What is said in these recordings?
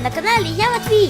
на каналі Я Матвій.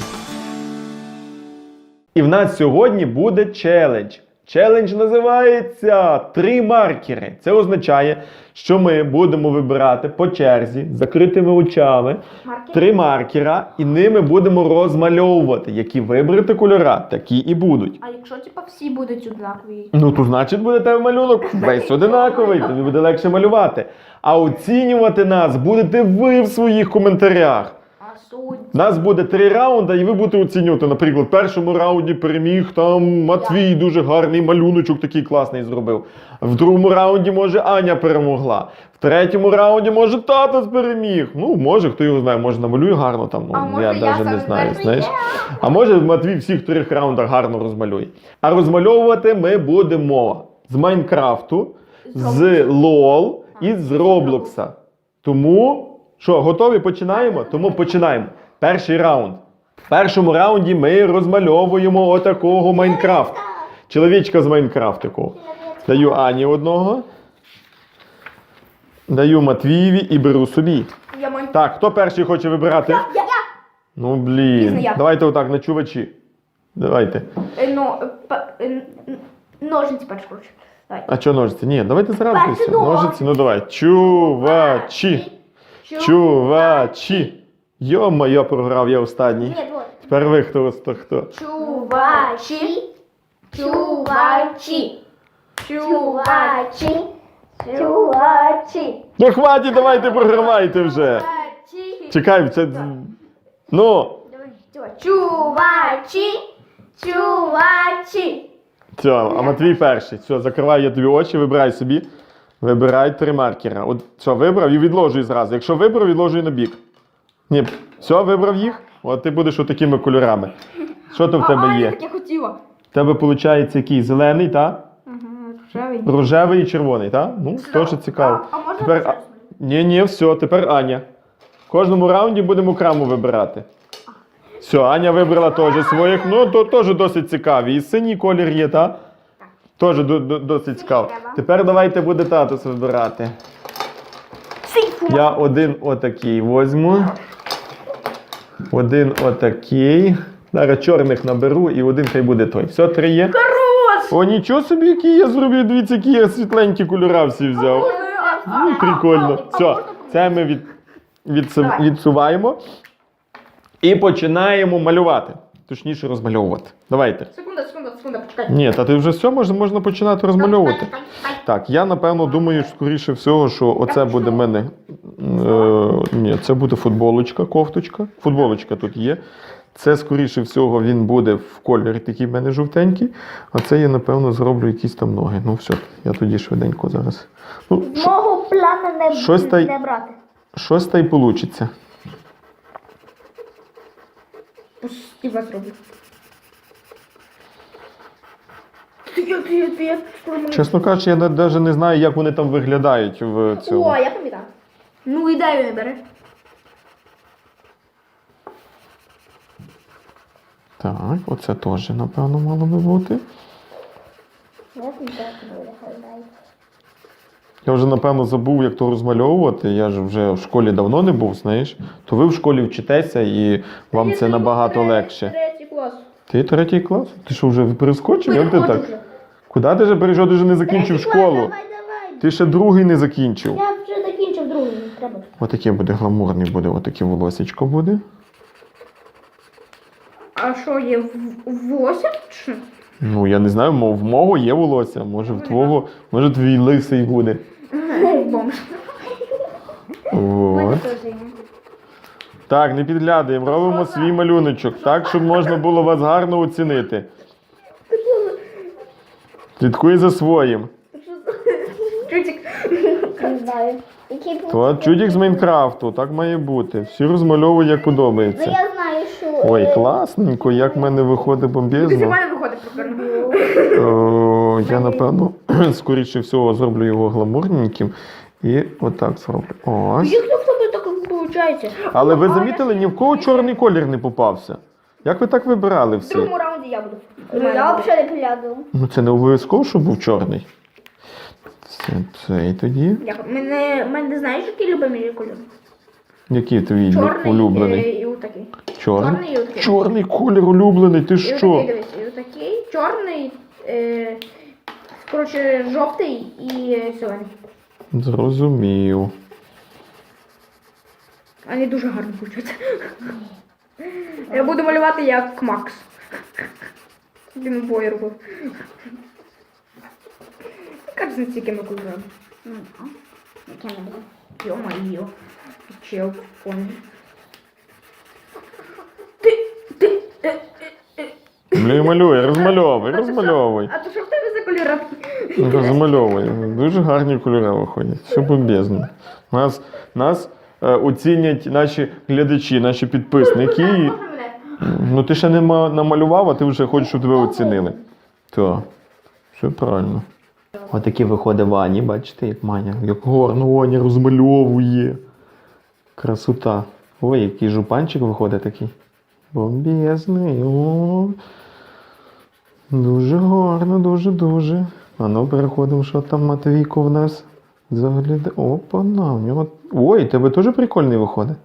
І в нас сьогодні буде челендж. Челендж називається «3 маркери». Це означає, що ми будемо вибирати по черзі, з закритими очами, 3 маркера, і ними будемо розмальовувати. Які вибрати кольора, такі і будуть. А якщо всі будуть однакові? Ну, то значить буде тебе малюнок весь одинаковий, тобі буде легше малювати. А оцінювати нас будете ви в своїх коментарях. А суть? У нас буде 3 раунди, і ви будете оцінювати. Наприклад, в першому раунді переміг там Матвій, дуже гарний малюночок такий класний зробив. В другому раунді, може, Аня перемогла. В третьому раунді, може, тато переміг. Ну, може, хто його знає, може намалює гарно там, А ну, може, я я навіть не саме знаю, перший знаєш. є? А може, Матвій всіх 3 раундах гарно розмалює. А розмальовувати ми будемо з Майнкрафту, з ЛОЛ і з Роблокса. Тому, що, готові? Починаємо? Тому починаємо. Перший раунд. В першому раунді ми розмальовуємо отакого Майнкрафт. Чоловічка з Майнкрафтику. Даю Ані одного. Даю Матвієві і беру собі. Я маю... Так, хто перший хоче вибирати? Я. Ну, блін. Пізно я. Давайте отак, на чувачі. Давайте. Ножниці перш коротше. Давай. А що ножиці? Ні, давайте зразу Перший все. ножиці. Ножиці, ну давай. Чувачі. Чувачі. Йо-моє, програв я останній. Ні, давай. Тепер ви хто? Чувачі. Чувачі. Чувачі. Чувачі. Ну хватить, давайте програвайте вже. Чувачі. Чекай, це... Ну, Давай. Чувачі. Чувачі. все, а Матвій перший. Все, закриваю я тобі очі, вибирай собі. Вибирай 3 маркера. От, все, вибрав і відложуй зразу. Якщо вибрав, відложуй на бік. Ні, все, вибрав їх? От ти будеш отакими кольорами. Що то в тебе є? Так я хотіла. В тебе виходить який? Зелений, так? Рожевий. Рожевий і червоний, так? Ну, теж цікаво. А можна Тепер... щось? Ні, все, тепер Аня. В кожному раунді будемо окремо вибирати. Все, Аня вибрала теж своїх, ну, то теж досить цікаві. І синій колір є, так? Теж досить цікаво. треба. Тепер давайте буде татус вибирати. Я один отакий возьму. Один отакий. Зараз чорних наберу і один хай буде той. Все, 3 є? Хорош! О, нічого собі, які я зробив. Дивіться, які я світленькі кольора всі взяв. Ну, прикольно. Все, це ми відсуваємо. І починаємо малювати. Точніше, розмальовувати. Давайте. Секунда, почекай. Ні, та ти вже все, можна починати розмальовувати. Так, я напевно думаю, скоріше всього, що оце буде в мене. Ні, це буде футболочка, кофточка. Футболочка тут є. Це, скоріше всього, він буде в кольорі такий в мене жовтенький. А це я, напевно, зроблю якісь там ноги. Ну все, я тоді швиденько зараз. Ну, Мого плану щось та й- не брати. щось та й вийде. Я зроблю. Чесно кажучи, я навіть не знаю, як вони там виглядають в цьому. О, я пам'ятаю. Ну, ідею не бери. Так, оце теж, напевно, мало би бути. Я вже, напевно, забув, як то розмальовувати. Я ж вже в школі давно не був, знаєш. То ви в школі вчитеся і вам це набагато легше. Третій клас. Ти 3 клас? Ти що, вже перескочив? Як ти Переходжу так? вже. Куди ти вже перейшов? Ти вже не закінчив школу. Давай. Ти ще 2 не закінчив. Я вже закінчив другий, не треба. Отаке буде гламурний буде, отаке волосечко буде. А що, є 8 чи? Ну, я не знаю, в мого є волосся, може в твого, може твій лисий буде. Бомж. От. Так, не підглядаємо, робимо свій малюночок, так, щоб можна було вас гарно оцінити. Слідкуй за своїм. Чутик. Не знаю. От чудік з Майнкрафту, так має бути. Всі розмальовують, як Ну подобається. я знаю, що... Ой, класненько, як в мене виходить Ти бомбезно. мене виходить прикольно. Я, напевно, скоріше всього зроблю його гламурненьким. І отак зроблю. Ось. Як в тебе так виходить? Але ви замітили, ні в кого чорний колір не попався. Як ви так вибирали В всі? другому раунді я буду. Ну я взагалі не пригляду. Ну це не обов'язково, щоб був чорний. Це цей тоді. Мене знаєш, який любимий кольор? Який твій Чорний улюблений? і отакий. Чорний. Чорний і отакий. Чорний колір улюблений, ти І що? отакий, дивись, і отакий, чорний, коротше, жовтий і зелений. Зрозумів. Вони дуже гарно получаться. Я буду малювати як Макс. Він обоє робив. Кажуть, з якими кольорами. Яке не буде? Йо-майо. Чел в фоні. Малюй, розмальовуй, розмальовуй. А то що в тебе за кольори? Розмальовуй. Дуже гарні кольори виходять. Все бомбезно. Нас оцінять наші глядачі, наші підписники. І... Ну ти ще не намалював, а ти вже хочеш, щоб тебе оцінили. Так, все правильно. Отакі виходить Вані, бачите, як Маня, як гарно Ваня розмальовує. Красота. Ой, який жупанчик виходить такий. Бомбезний. О. Дуже гарно, дуже-дуже. А ну переходимо, що там Матвійко в нас заглядає. Опа, на, в нього... Ой, тебе теж прикольний виходить.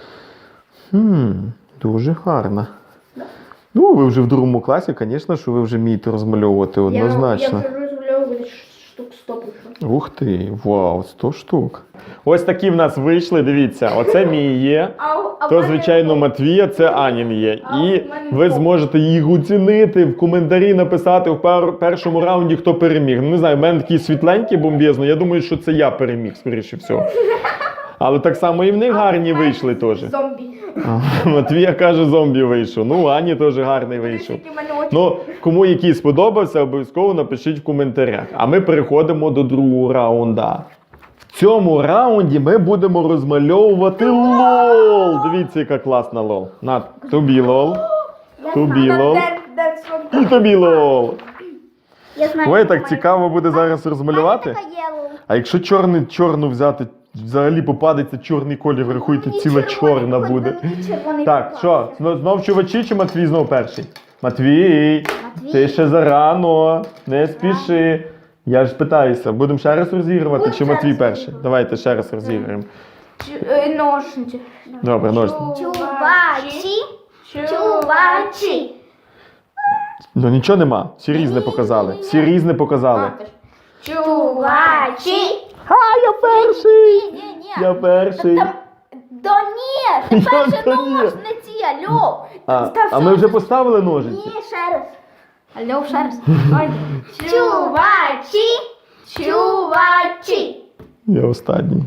Дуже гарно. Ну, ви вже в другому класі, звісно, що ви вже вмієте розмальовувати однозначно. Я вже розмальовую штук 100 пройшло. Ух ти, вау, 100 штук. Ось такі в нас вийшли, дивіться, оце мій є. То, звичайно, Матвія, це Анін є. І ви зможете їх оцінити, в коментарі написати в першому раунді, хто переміг. Ну, не знаю, в мене такий світленький бомбезний, я думаю, що це я переміг, скоріше всього. Але так само і в них гарні вийшли теж. Зомбі. Матвія каже, зомбі вийшов. Ну, Ані теж гарний вийшов. Ну, кому який сподобався, обов'язково напишіть в коментарях. А ми переходимо до другого раунда. В цьому раунді ми будемо розмальовувати лол. Дивіться, яка класна лол. На, тобі лол. Тобі лол. І тобі лол. Я знаю. Ой, так цікаво буде зараз розмалювати. Така є лол. А якщо чорну взяти, взагалі попадеться чорний колір, рахуйте, ціла чорна буде. Так, що, знов чувачі чи Матвій знов перший? Матвій, ти ще зарано, не спіши. Я ж питаюся, будемо ще раз розігрувати, чи Матвій перший? Давайте ще раз розіграємо. Ножниці. Добре, ножниці. Чувачі. Чувачі. Ну нічого нема, всі різне показали. Всі різне показали. Чувачі. А, я перший! Ні. Я перший. Да ні, ти перше Та ні. ножниці, алло. А ми вже поставили ножиці? Ні, ще раз. Алло, ще раз. Чувачі. Чувачі. Я останній.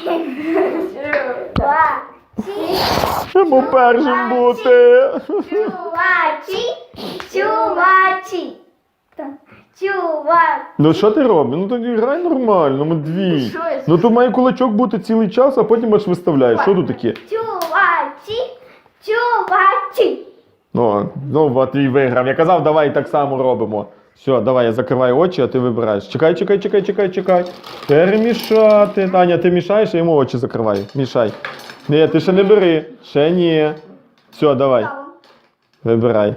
Чувачі. Треба першим бути. Чувачі. Чувачі. Чувачі. Ну що ти робиш? Ну тоді грай нормально, Матвій. Що я Ну тут має кулачок бути цілий час, а потім аж виставляєш. Що тут таке? Чувачі. Чувачі. Ну, Матвій виграв. Я казав, давай так само робимо. Все, давай, я закриваю очі, а ти вибираєш. Чекай. Перемішати. Таня, ти мішаєш, я йому очі закриваю. Мішай. Ні, ти ще не бери. Ще ні. Все, давай. Вибирай.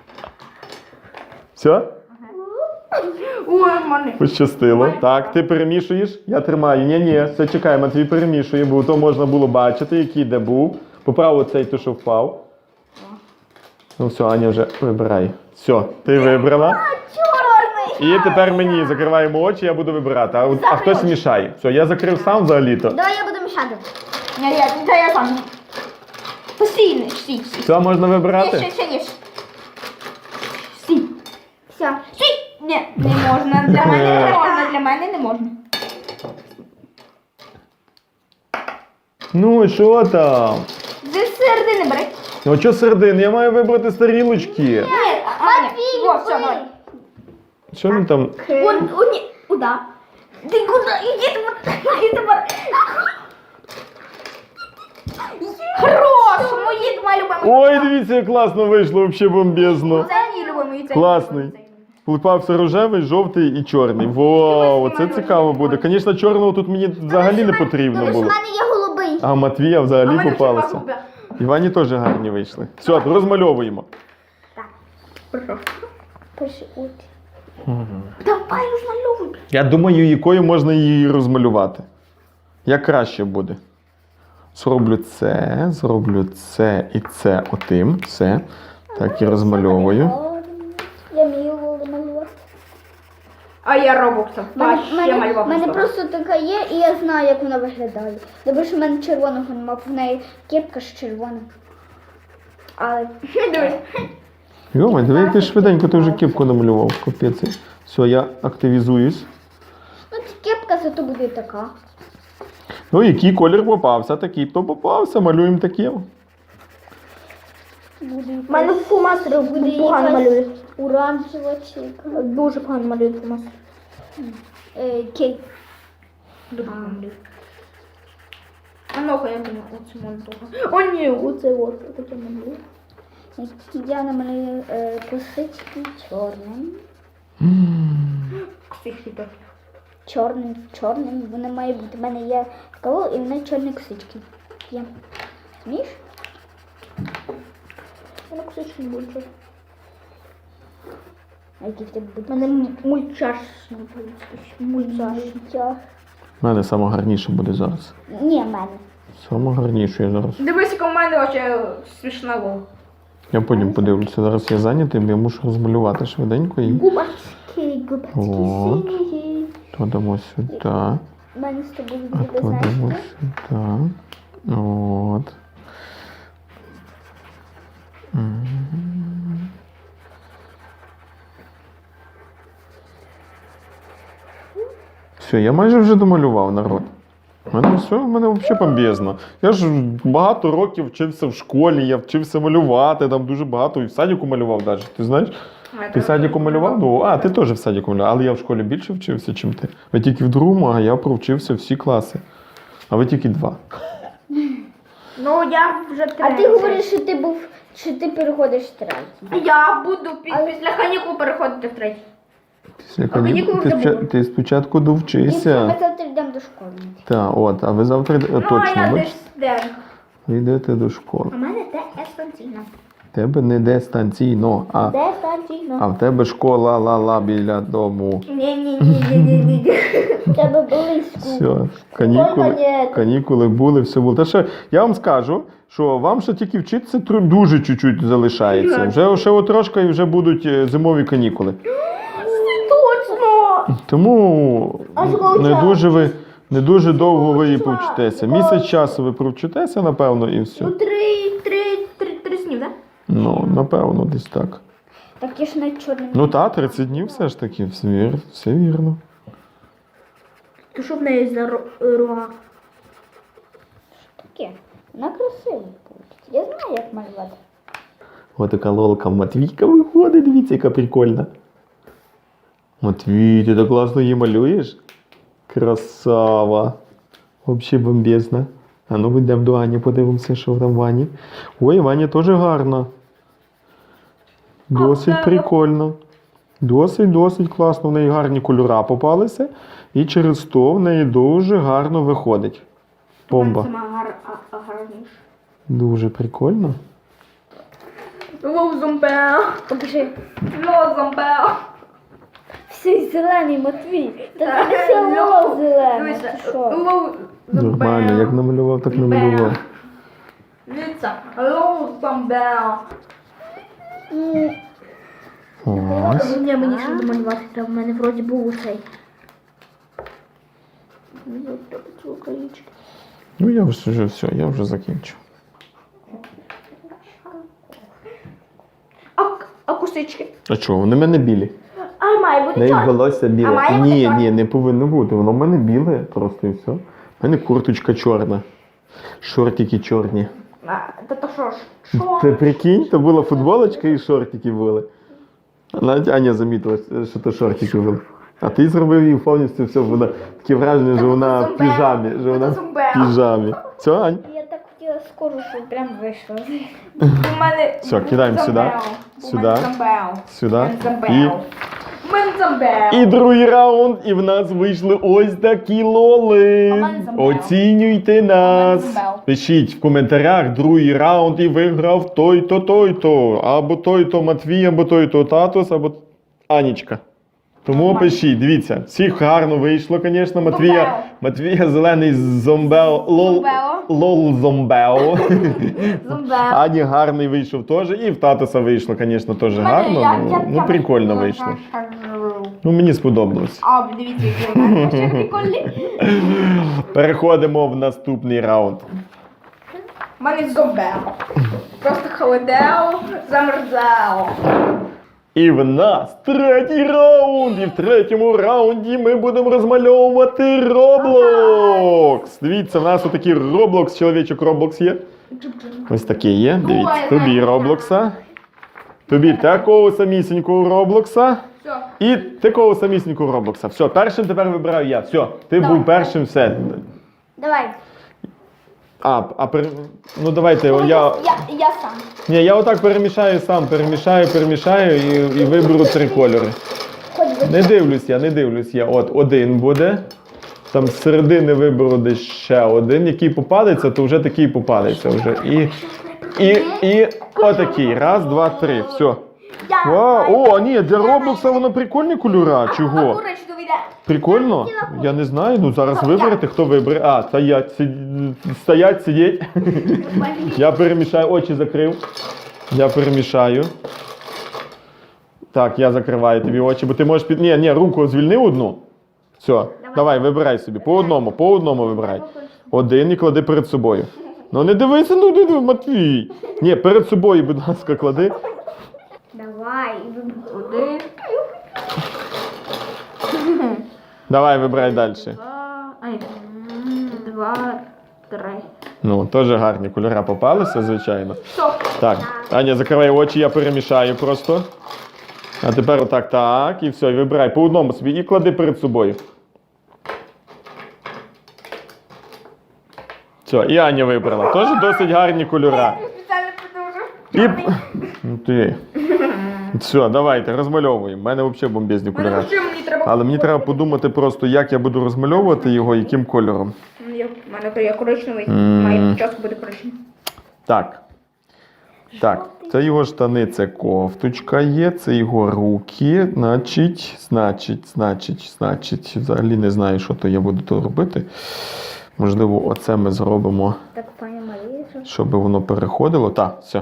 Все? Ой, мене. Пощастило. Так, ти перемішуєш, я тримаю. Ні, все, чекай, Матвій перемішує, бо то можна було бачити, який де був. Поправ оцей, то що впав. Ну все, Аня вже вибирай. Все, ти вибрала. Чорний. І тепер мені закриваємо очі, я буду вибирати. А хтось мішає. Все, я закрив сам взагалі-то. Давай я буду мішати. Ні, я сам. Постійно, стій. Все, можна вибирати? Ще ніж. Стій. Все. Стій. Ні, не можна. Для мене не можна. Для мене не можна. Ну, що там? Зі середини бери. Ну, що середини? Я маю вибрати з тарілочки. Ні, Матвій, Во, все, давай. Що він там? Ні, куда? Ти куди? Іди тепер. Хорош! Мої моя любима. Ой, дивіться, як класно вийшло, взагалі бомбезно. Це мій любимий. Класний. Попався рожевий, жовтий і чорний. Вау, це цікаво буде. Звісно, чорного тут мені взагалі не потрібно Тому що в було. мене є голубий. А Матвія взагалі попалася. Івані теж гарні вийшли. Все, розмальовуємо. Пиши очі. Давай розмальовуй. Я думаю, якою можна її розмалювати. Як краще буде. зроблю це і це отим. Все. Так і розмальовую. Я вмію малювати. А я робокса. Ще У малював. мене просто така є, і я знаю, як вона виглядає. Добре, що в мене червоного немає, в неї кепка ж червона. Але Дивись. Йома, диви, як ти швиденько, ти вже кепку намалював. Капець. Все, я активізуюсь. ну, ця кепка зато буде така. Ну, який колір попався, такий то попався, малюємо таким. Буде У мене фломастери буде погано якась малює. оранжева чи яка. Дуже погано малює фломастер. Кейк. Дуже погано малює. А ну-ка, я думаю, оце можна того. О, ні, оце от. Таке малює. Я намалюю косички чорним. Ксихи так. Чорним. Вона має бути. У мене є кавол і в неї чорні косички. Є. Змієш? Воно ксихи не буде. А які в тебе будуть? У мене мультяшний. Мультяшний. У мене саме гарніше буде зараз. Ні, в мене. Саме гарніше я зараз. Дивись, яка в мене вообще смішна лол. Я потім подивлюся. Зараз я зайнятий, бо я мушу розмалювати швиденько і Губачки От. сині. то дамо сюди, У мене з тобою а буде, то знаєш, дамо що? сюди. От. Мгм. Все, я майже вже домалював, народ. У мене все, в мене взагалі бомбезно. Я ж багато років вчився в школі, я вчився малювати, там дуже багато, і в садіку малював навіть. Ти знаєш? Ти в садіку малював? Ну, а, ти теж в садіку малював, але я в школі більше вчився, ніж ти. Ви тільки в другому, а я провчився всі класи. А ви тільки 2. Ну, я вже А ти говориш, що ти переходиш в третій. Я буду після канікул переходити в третій. Після канікул канікул вже було. ти спочатку І все, довчися. ми завтра йдемо до школи. Так, от, а ви завтра Ну, а точно, я бачиш? десь денка. Ви йдете до школи. У мене те естанційно. Тебе не дистанційно, а Де станційно? в тебе школа ла-ла біля дому. Ні. Тебе близько. Все, ні. канікули були, все було. Та ще я вам скажу, що вам ще тільки вчитися дуже чуть-чуть залишається. Вже ще от трошки і вже будуть зимові канікули. Точно! Тому А скільки не дуже довго ви її повчитеся. Місяць часу ви провчитеся, напевно, і все. Ну, три снів, так? Ну, напевно, десь так. Так я ж навіть чорним. Ну так, 30 днів все ж таки, все вірно. То що в неї за руга? Таке. Вона красива буде. Я знаю, як малювати. Ось така лолка Матвійка виходить, дивіться, яка прикольна. Матвій, ти так класно її малюєш? Красава. Взагалі бомбезна. А ну йдемо до Ані, подивимося, що там в Ані. Ой, Ваня теж гарно. Досить прикольно. Досить класно. В неї гарні кольори попалися. І через то в неї дуже гарно виходить. Бомба. Сама гарніша. Дуже прикольно. Лоу зомбел. Покажи. Лоу зомбел. Всі зелений, Матвій. Та це село зелене. Ти що? Лоу Нормально, як намалював, так намалював. Дивіться. Лоу зомбел. Ось. Ні, мені ще домалювати треба. В мене вроді був усей. Ну я вже все, я вже закінчу. А косички? А чого, вони в мене білі? А має бути Неї чорний. волосся А біле. має бути чорне? Ні, не повинно бути. Воно в мене біле просто і все. У мене курточка чорна. Шортики чорні. Та що ж? Що? Ти прикинь, то була футболочка і шортики були. Навіть Аня замітила, що то шортики були. А ти зробив її повністю все, вона таке враження, що вона в піжамі. Що вона в піжамі. Все, Ань? Я так хотіла скоро, щоб прям вийшло. У мене Все, кидаємо сюди. Сюди. Сюди. І І другий раунд, і в нас вийшли ось такі лоли. А в мене замбел. Оцінюйте А в нас. мене замбел. Пишіть в коментарях другий раунд і виграв той-то, той-то. Або той-то Матвій, або той-то Татус, або Анічка. Тому пишіть, дивіться, всіх гарно вийшло, звісно. Матвія зелений зомбел лол. Лол зомбео. Зомбе. Ані гарний вийшов теж. І в татуса вийшло, звісно, теж гарно. Ну, прикольно вийшло. Ну, мені сподобалось. А, дивіться, які у мене ще прикольні. Переходимо в наступний раунд. У мене зомбео. Просто холодео, замерзео. І в нас третій раунд. І в третьому раунді ми будемо розмальовувати Roblox. Дивіться, в нас отакий Roblox, чоловічок Roblox є. Ось такий є. Дивіться, тобі Роблокса. Тобі такого самісінького Роблокса. Все. І такого самісінького Роблокса. Все, першим тепер вибираю я. Все, ти був першим, все. Давай. Ну давайте, я... Я сам. Ні, я отак перемішаю сам, перемішаю і виберу 3 кольори. Хоч би. Не дивлюсь я. От, один буде. Там з середини виберу десь ще один. Який попадеться, то вже такий попадеться вже. І отакий. Раз, два, три. Все. О, ні, для Роблокса воно прикольні кольора. Чого? Коричневий йде. Прикольно? Я не знаю. Ну зараз виберете, хто вибере. А, стоять, сидіть. Я перемішаю, очі закрив. Я перемішаю. Так, я закриваю тобі очі, бо ти можеш під... Ні, руку звільни одну. Все, давай, вибирай собі. По одному вибирай. Один і клади перед собою. Ну не дивися, Матвій. Ні, перед собою, будь ласка, клади. Давай. Один, Давай, вибирай далі. два, три. Ну, теж гарні кольори попалися, звичайно. Стоп. Так, Аня, закривай очі, я перемішаю просто. А тепер отак, так, і все, і вибирай по одному собі і клади перед собою. Все, і Аня вибрала. Теж досить гарні кольора. Спеціально подовжу. І... Ну ти. Все, давайте, розмальовуємо. У мене взагалі бомбезні кольори. Мені треба... Але мені треба подумати просто, як я буду розмальовувати його, яким кольором. У мене є коричневий, М. має час буде коричневий. Так. Так, це його штани, це кофточка є, це його руки, значить, взагалі не знаю, що то я буду то робити. Можливо, оце ми зробимо, Так, пані Марія. щоб воно переходило. Так, все.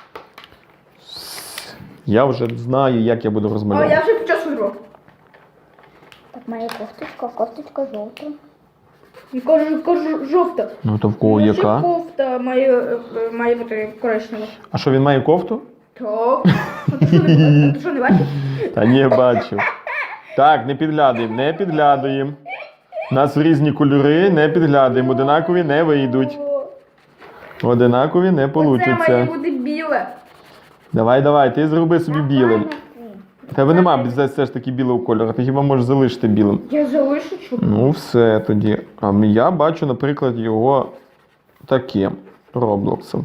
Я вже знаю, як я буду О, розмальовувати. я вже почав гру. Так, моя кофточка жовта. І кажу жовта. Ну то в кого Може, яка? кофта має бути коричнева. А що, він має кофту? Так. А ти що не бачиш? Та ні, бачу. Так, не підглядуємо. У нас різні кольори, не підглядуємо. Одинакові не вийдуть. Одинакові не Це має получаться. бути біле. Давай, ти зроби собі білим. Тебе нема все ж таки білого кольору, ти хіба можеш залишити білим. Я залишу чу. Ну все тоді. А я бачу, наприклад, його таким Роблоксом.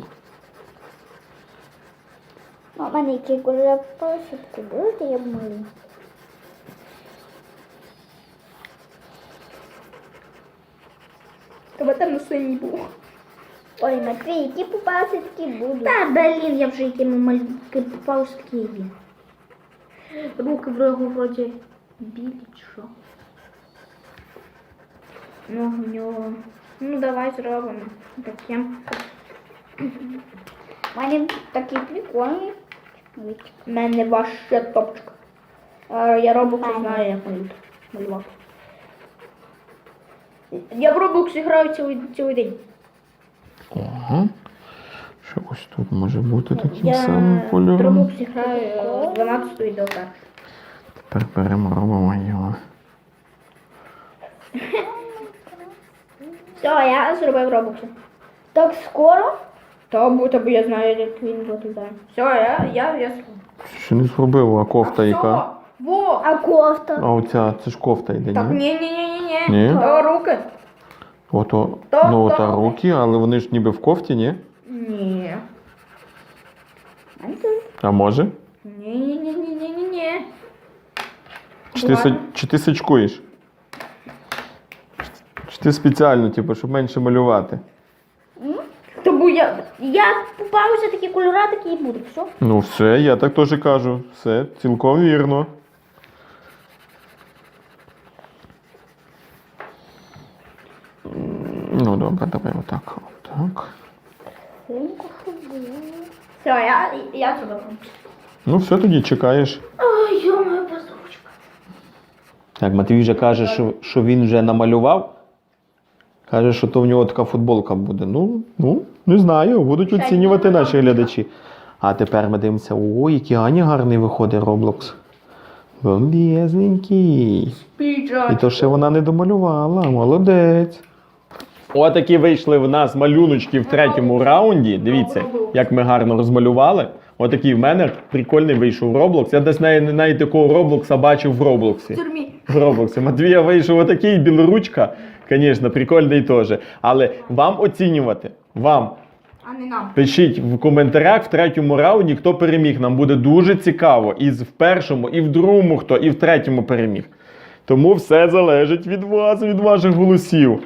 У мене які кольори пасочки будуть, я б малю. Тебе там на синій був. Ой, Матвій, які попалися такі будуть. Та, блін, я вже якими малюнки попав такі є. Руки вроді білі чи що. Ну, в нього. Ну, давай зробимо таким. У мене такі прикольні. У мене ваше топчик. Я Роблокс знаю, як малювати. Я в Роблоксі граю цілий день. Ага. Що ось тут може бути таким Я самим в кольором. Роблоксі граю з 12 до 1. Тепер беремо, робимо його. Все, я зробив Роблоксі. Так скоро? Та будто бо я знаю, як він виглядає. Все, я Ще не зробив, а кофта яка? Все, во! А кофта? А оця, це ж кофта йде, Так, ні? ні. Ні? То руки. Ото, То- ну то- та руки, але вони ж ніби в кофті, ні? Ні. А може? Ні. Чи ти сачкуєш? Чи ти спеціально, типу, щоб менше малювати? Тому я попався такі кольори, такі і буду. Все. Ну все, я так теж кажу. Все, цілком вірно. Ну добре, давай отак. Отак. Все, я зробила. Ну все, тоді чекаєш. Ой, йо-моє, позорочка. Так, Матвій вже каже, що він вже намалював. Каже, що то в нього така футболка буде. Ну, не знаю, будуть оцінювати наші глядачі. А тепер ми дивимося, ой, який Аня гарний виходить Roblox. Бомбезненький. І то ще вона не домалювала, молодець. Отакі вийшли в нас малюночки в третьому раунді. Дивіться, як ми гарно розмалювали. Отакий в мене прикольний вийшов Roblox. Я десь навіть такого Роблокса бачив в Роблоксі. Тюрмі. В Роблоксі. Матвія вийшов отакий, білоручка. Звісно, прикольний теж. Але вам оцінювати, вам. А не нам. Пишіть в коментарях в третьому раунді, хто переміг. Нам буде дуже цікаво. І в першому, і в другому хто, і в третьому переміг. Тому все залежить від вас, від ваших голосів.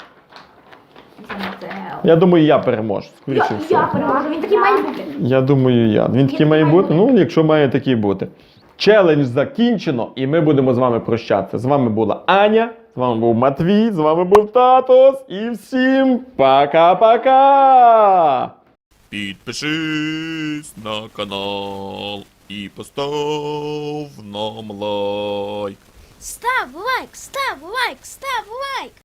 Я думаю, я переможу. Скоріше Я всього. переможу, він такий має бути. Я думаю, я. Він такий має бути? Ну, якщо має такий бути. Челендж закінчено, і ми будемо з вами прощатися. З вами була Аня, з вами був Матвій, з вами був Татос. І всім пока-пока! Підпишись на канал і постав нам лайк. Став лайк, став лайк, став лайк!